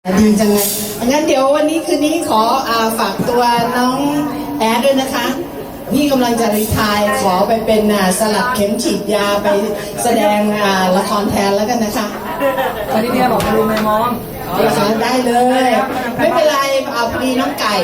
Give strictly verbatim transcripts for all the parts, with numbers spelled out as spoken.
ดีจังเลยงั้นเดี๋ยววันนี้คืนนี้ขออาฝากตัวน้องแอดด้วยนะคะพี่กำลังจะรีไทร์ขอไปเป็นสลัดเข็มฉีดยาไปแสดงละครแทนแล้วกันนะคะตอนนี้เนี่ยบอกมาดูไม่มองนะคะได้เลยไม่เป็นไรเอาพอดีน้องไก่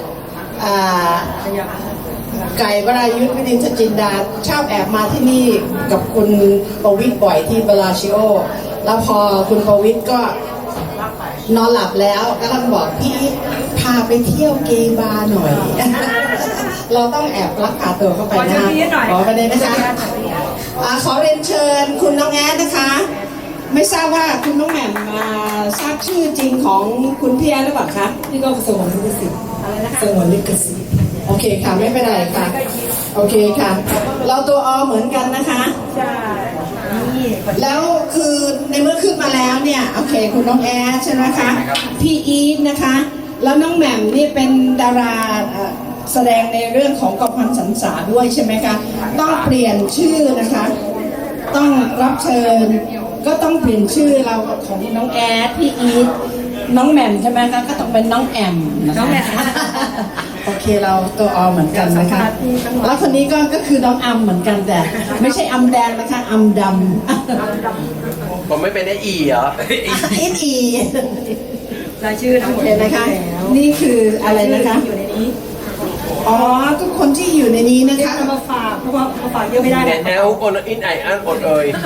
ไก่วรายุทธวินิจจินดาชอบแอบมาที่นี่กับคุณประวิตรบ่อยที่บาลาชิโอแล้วพอคุณประวิตรก็นอนหลับแล้วก็ต้องบอกพี่พาไปเที่ยวเกย์บาร์หน่อยเราต้องแอบลักพาตัวเข้าไปนะขอไปเลยนะคะขอเรียนเชิญคุณน้องแอดนะคะไม่ทราบว่าคุณน้องแหม่มมาทราบชื่อจริงของคุณพี่แอดหรือเปล่าคะนี่ก็สงวนลิขสิทธิ์สงวนลิขสิทธิ์โอเคค่ะไม่เป็นไรค่ะโอเคค่ะเราตัวอเหมือนกันนะคะใช่แล้วคือในเมื่อขึ้นมาแล้วเนี่ยโอเคคุณน้องแอดใช่ไหมคะพี่อีทนะคะแล้วน้องแหม่มนี่เป็นดาราแสดงในเรื่องของกองพันสันษาด้วยใช่ไหมคะต้องเปลี่ยนชื่อนะคะต้องรับเชิญก็ต้องเปลี่ยนชื่อเราของน้องแอดพี่อีทน้องแหม่มใช่ไหมคะก็ต้องเป็นน้องแอมนะคะน้องแอมโอเคเราตัวอเหมือนกันนะคะแล้วคนนี้ก็ก็คือน้องอัมเหมือนกันแต่ไม่ใช่อัมแดงนะคะอัมดำผมไม่เป็นไอ้อีเหรออีอีรายชื่อทั้งหมดนะคะนี่คืออะไรนะคะอยู่ในนี้อ๋อทุกคนที่อยู่ในนี้นะคะมาฝากเพราะว่ามาฝากเยอะไม่ได้แนวคนอินไออันอดเอ่ย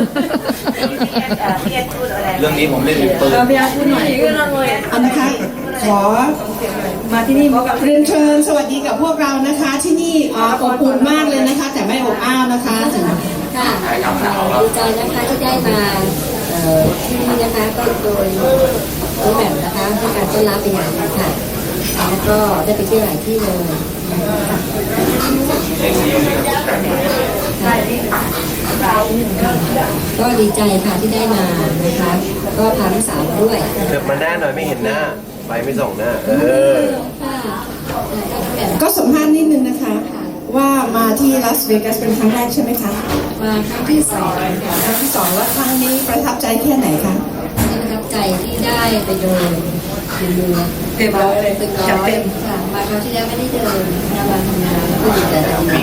เรื่องนี้ผมเล่นเป็นปืนพี่อาพูดหน่อยอันนะคะขอมาที่นี่บอกกับเรียนเชิญสวัสดีกับพวกเรานะคะที่นี่อบอุ่นมากเลยนะคะแต่ไม่อบอ้าวนะคะถึงค่ะดีใจนะคะที่ได้มาที่นี่นะคะก็โดยน้องแหม่มนะคะให้การต้อนรับเป็นอย่างดีค่ะแล้วก็ได้ไปเที่ยวหลายที่เลยก็ดีใจค่ะที่ได้มานะคะก็พาลูกสาวมาด้วยเถิบมาหน้าหน่อยไม่เห็นหน้าไปไม่ส่งหน้าเออก็สัมภาษณ์นิดนึงนะคะว่ามาที่ลาสเวกัสเป็นครั้งแรกใช่ไหมคะมาครั้งที่สองค่ะครั้งที่สองแล้วครั้งนี้ประทับใจแค่ไหนคะประทับใจที่ได้ไปเดินดูเต็มร้อยเลยตึกร้อยค่ะมาคราวที่แล้วไม่ได้เดินมาทำงานแล้วก็ดีใจดี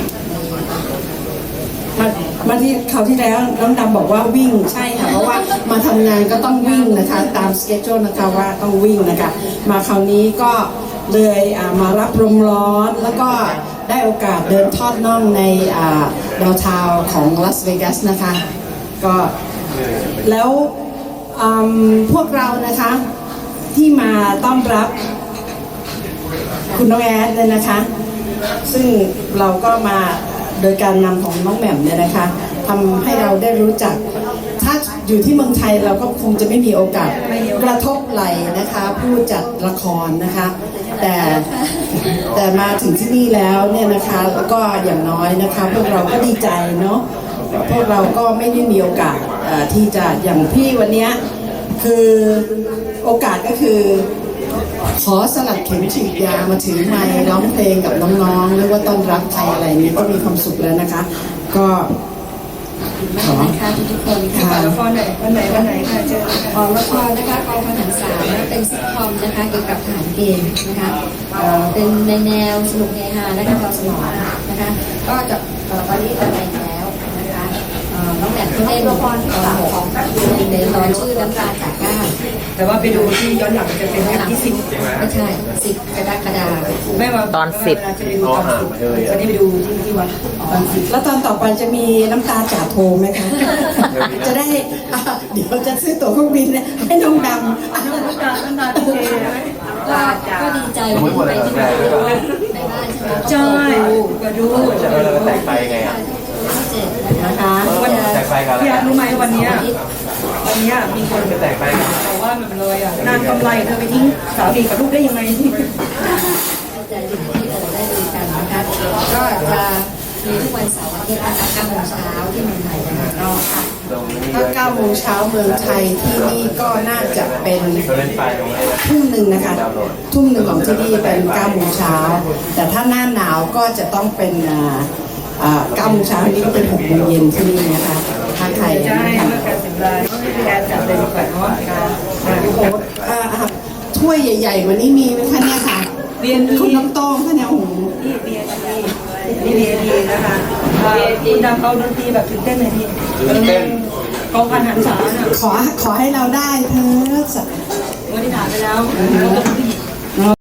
มามาที่คราวที่แล้วน้องดำบอกว่าวิ่งใช่ค่ะเพราะว่ามาทำงานก็ต้องวิ่งนะคะตามสเกจโจนะคะว่าต้องวิ่งนะคะมาคราวนี้ก็เลยมารับลมร้อนแล้วก็ได้โอกาสเดินทอดน่องในดาวทาวของลาสเวกัสนะคะก็แล้วพวกเรานะคะที่มาต้อนรับคุณน้องแอดเลยนะคะซึ่งเราก็มาโดยการนำของน้องแหม่มเนี่ยนะคะทำให้เราได้รู้จักถ้าอยู่ที่เมืองไทยเราก็คงจะไม่มีโอกาสกระทบไหลนะคะผู้จัดละครนะคะแต่แต่มาถึงที่นี่แล้วเนี่ยนะคะแล้วก็อย่างน้อยนะคะพวกเราก็ดีใจเนาะพวกเราก็ไม่ได้มีโอกาสที่จะอย่างพี่วันนี้คือโอกาสก็คือขอสลัดเข็มฉีดยามาถือไมค์ร้องเพลงกับน้องๆหรือว่าต้อนรับใครอะไรนี้ก็มีความสุขแล้วนะคะก็ขอค่ะทุกคนค่ะละครไหนวันไหนวันไหนค่ะเจอออกละครนะคะกองพันหันษาเป็นซิทคอมนะคะเกี่ยวกับทหารเกณฑ์นะคะเป็นในแนวสนุกเฮฮาและการตอบสนองนะคะก็จะตอนนี้ออนไลน์แล้วนะคะน้องแหม่มที่เล่นละครตอนของในตอนชื่อน้ำตาจากก้าวแต่ว่าไปดูที่ย้อนหลังจะเป็นแบบที่สิบไม่ใช่สิบกรกฎาคมแม่มาตอนสิบจะไปดูตอนสิบวันนี้ไปดูที่ที่วัดตอนสิบแล้วตอนต่อไปจะมีน้ำตาจ่าโทไหมคะจะได้เดี๋ยวจะซื้อตั๋วเครื่องบินให้น้องดำน้ำตาน้ำตาเทก็ดีใจวันนี้ไปที่บ้านในบ้านใช่ไหมใช่ก็ดูแตกไปไงอ่ะนะคะวันพี่อารู้ไหมวันนี้วันนี้มีคนไปแตกไปบอกว่ามันเลยอ่ะนางกำไรเธอไปทิ้งสามีกับลูกได้ยังไงที่ใจดีที่เราได้ดูกันนะคะก็จะมีทุกวันเสาร์อาทิตย์นะคะเก้าโมงเช้าที่เมืองไทยนะคะก็ค่ะถ้าเก้าโมงเช้าเมืองไทยที่นี่ก็น่าจะเป็นทุ่มหนึ่งนะคะทุ่มหนึ่งของที่นี่เป็นเก้าโมงเช้าแต่ถ้าหน้าหนาวก็จะต้องเป็นเก้าโมงเช้านี้ก็เป็นหกโมงเย็นที่นี่นะคะถ้าใครใช่เมื่อการสิบรายแกจัดเลยดีกว่าเนาะโอ้โหทถ้วยใหญ่ๆกว่านี้มีไหมคะเนี่ยค่ะเรียนคุณน้องโต้งคะเนี่ยโอ้โหนี่เบียร์ดีนี่เบียร์ดีนะคะอ่าคุณดำเอาดนตรีแบบตื่นเต้นเลยพี่ตื่นเต้นกองพันหันษาน่ะขอขอให้เราได้เธอวันที่ถามไปแล้วเราเป็นผู้หญิง